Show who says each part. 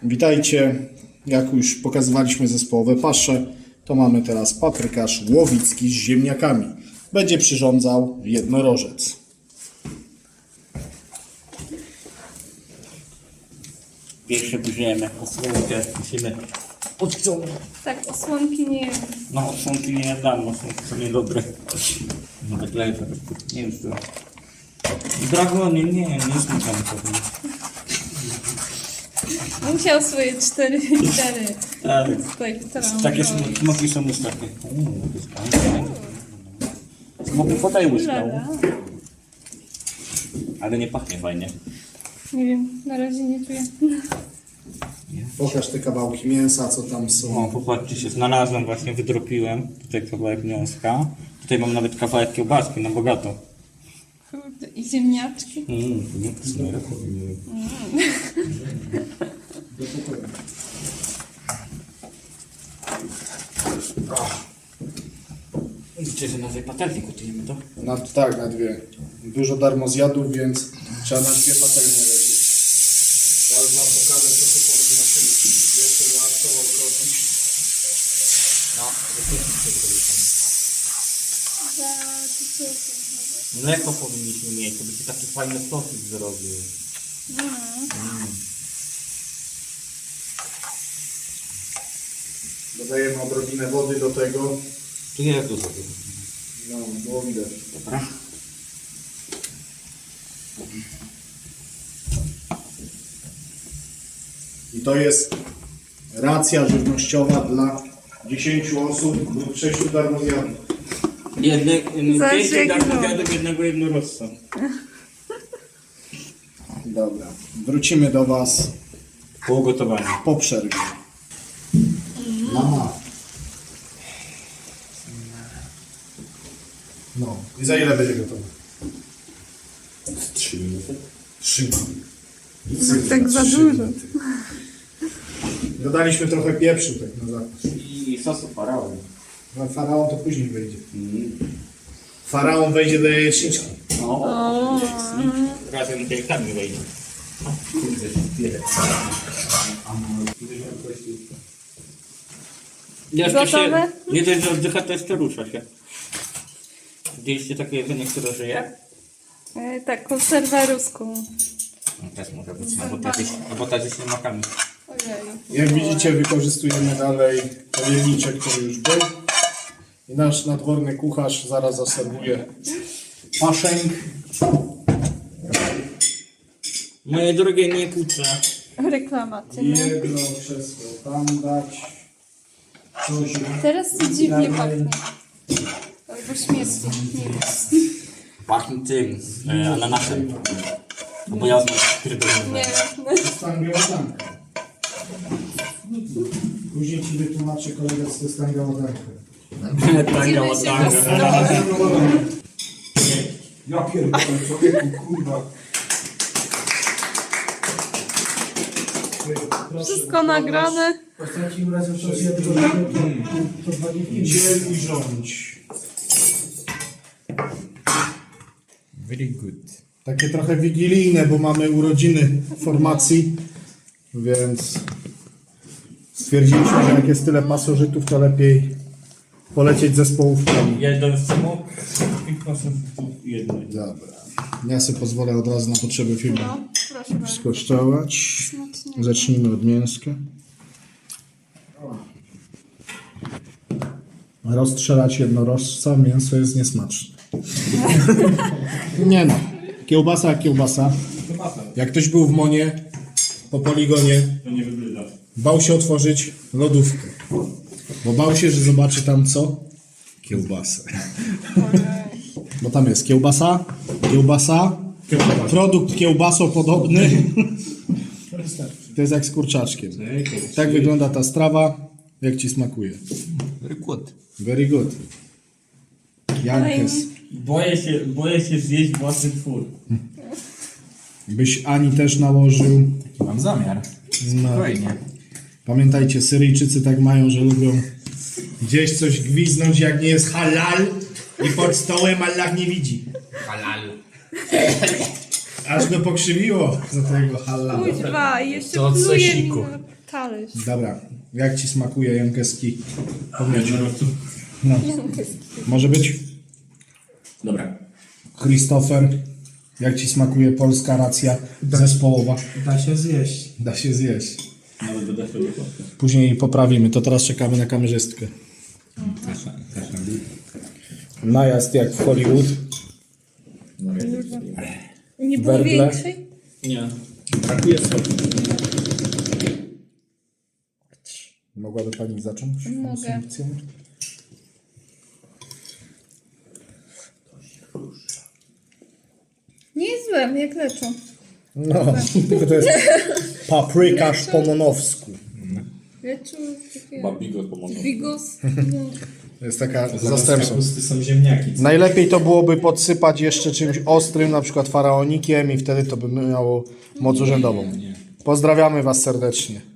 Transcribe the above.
Speaker 1: Witajcie. Jak już pokazywaliśmy zespołowe pasze, to mamy teraz paprykarz łowicki z ziemniakami. Będzie przyrządzał jednorożec.
Speaker 2: Pierwsze bierzemy osłonkę, musimy odciągnąć.
Speaker 3: Tak, osłonki nie jem.
Speaker 2: No osłonki nie dam, osłonki są niedobre. No tak lepiej, nie wiem co. Dragonie, nie smakam pewnie.
Speaker 3: Musiał swoje 4 litery.
Speaker 2: Tak,
Speaker 3: Tutaj
Speaker 2: takie smoki są już takie. Smoki podaj łyżkę. Ale nie pachnie fajnie.
Speaker 3: Nie wiem, na razie nie czuję.
Speaker 1: Pokaż te kawałki mięsa, co tam są.
Speaker 2: O, popatrzcie się, znalazłem właśnie, wydropiłem. Tutaj kawałek mięska. Tutaj mam nawet kawałek kiełbaski, na bogato.
Speaker 3: Kurde, i ziemniaczki.
Speaker 2: Widzicie, że na tej patelni gotujemy to?
Speaker 1: Tak, na dwie. Dużo darmozjadów, więc trzeba na dwie patelnie lecieć. Ja już wam pokażę, co tu powinno się jeszcze dodatkowo zrobić.
Speaker 2: No, mleko powinniśmy mieć, to by się taki fajny sosik zrobił.
Speaker 1: Dodajemy odrobinę wody do tego.
Speaker 2: Tu jest dużo.
Speaker 1: No, było widać.
Speaker 2: Dobra.
Speaker 1: I to jest racja żywnościowa dla 10 osób lub 6 darmozjadów.
Speaker 3: Zależy,
Speaker 2: 5
Speaker 3: jaki
Speaker 2: darmozjadów, jednego jednorożca.
Speaker 1: Dobra, wrócimy do Was
Speaker 2: Po ugotowaniu.
Speaker 1: po przerwie. Mama. No, i za ile będzie gotowe?
Speaker 2: 3 minuty.
Speaker 1: 3 minuty.
Speaker 3: Tak za
Speaker 1: 3
Speaker 3: dużo.
Speaker 1: minuty. Dodaliśmy trochę pieprzu tak na zapas.
Speaker 2: I sosu faraon.
Speaker 1: No, faraon to później wejdzie. Faraon wejdzie do jajeczniczki.
Speaker 2: O, razem z jajkami wejdzie. Kurde, tyle. Jeszcze się,
Speaker 3: Gotowe?
Speaker 2: nie dość, że oddycha, to jeszcze rusza się. Widzieliście takie jedzenie, które żyje?
Speaker 3: Tak, konserwę ruską.
Speaker 2: No, też może być, albo ta ze ślimakami.
Speaker 3: Ojej.
Speaker 1: Jak widzicie, wykorzystujemy dalej pojemniczek, który już był. I nasz nadworny kucharz zaraz zaserwuje paszęk.
Speaker 2: Moje drogie, nie kłócę.
Speaker 3: Reklamacja. No.
Speaker 1: Jedno krzesło tam dać. Coś
Speaker 3: Teraz to dziwnie pachnie. Albo śmierdzi. Nie wiem.
Speaker 2: Pachnie tym, ananasem. Bo ja znam pierdolę.
Speaker 3: Nie
Speaker 1: Stangiołatanka. Później ci wytłumaczę kolega, co to jest stangiołatanka.
Speaker 2: Tanga, łatanga.
Speaker 1: Ja pierdolę, człowieku, kurwa.
Speaker 3: Wszystko nagrane.
Speaker 1: Ostatnim razem przeczytałem tego to 2 dni. Dziel i rządź.
Speaker 2: Very good.
Speaker 1: Takie trochę wigilijne, bo mamy urodziny formacji, więc stwierdziliśmy, że jak jest tyle pasożytów, to lepiej polecieć zespołówkami.
Speaker 2: Jeden smok, 5% jedno.
Speaker 1: Dobra. Ja sobie pozwolę od razu na potrzeby filmu
Speaker 3: No, proszę bardzo.
Speaker 1: skosztować.
Speaker 3: Smacznie.
Speaker 1: Zacznijmy od mięska. Rozstrzelać jednorożca, mięso jest niesmaczne. Nie no, kiełbasa jak kiełbasa. Jak ktoś był w Monie, po poligonie,
Speaker 2: To nie wygląda.
Speaker 1: bał się otworzyć lodówkę. Bo bał się, że zobaczy tam co? Kiełbasę. Bo tam jest kiełbasa, produkt kiełbasopodobny. To jest jak z kurczaczkiem. Tak wygląda ta strawa. Jak ci smakuje?
Speaker 2: Very good.
Speaker 1: Very good. Jankes.
Speaker 2: Boję się zjeść własny twór.
Speaker 1: Byś Ani też nałożył.
Speaker 2: Mam zamiar.
Speaker 1: No.
Speaker 2: Spokojnie.
Speaker 1: Pamiętajcie, Syryjczycy tak mają, że lubią gdzieś coś gwiznąć, jak nie jest halal i pod stołem Allah nie widzi.
Speaker 2: Halal.
Speaker 1: Aż go pokrzywiło za tego halala.
Speaker 3: Kuźwa, i jeszcze
Speaker 4: To od
Speaker 3: pluje mi
Speaker 4: sosiku.
Speaker 3: na talerz.
Speaker 1: Dobra, jak ci smakuje Jankeski? Powiedz. No. Może być?
Speaker 4: Dobra.
Speaker 1: Christopher, jak ci smakuje polska racja zespołowa?
Speaker 5: Da się zjeść.
Speaker 1: Da się zjeść.
Speaker 2: Nawet do defru.
Speaker 1: Później poprawimy, to teraz czekamy na kamerzystkę. Najazd jak w Hollywood.
Speaker 3: Nie było
Speaker 1: Werble.
Speaker 3: większej?
Speaker 2: Nie. Brakuje soli.
Speaker 1: Mogłaby pani zacząć?
Speaker 3: Mogę.
Speaker 1: konsumpcję?
Speaker 3: Nie jest złe, jak leczą.
Speaker 1: No, tylko to jest paprykarz po monowsku.
Speaker 3: Leczą takie...
Speaker 2: Babigos pomogą.
Speaker 3: Bigos. No.
Speaker 1: To jest taka
Speaker 4: Zamiast
Speaker 1: zastępstwo.
Speaker 4: kapusty są ziemniaki.
Speaker 1: Najlepiej to byłoby podsypać jeszcze czymś ostrym, na przykład faraonikiem i wtedy to by miało moc urzędową. Pozdrawiamy Was serdecznie.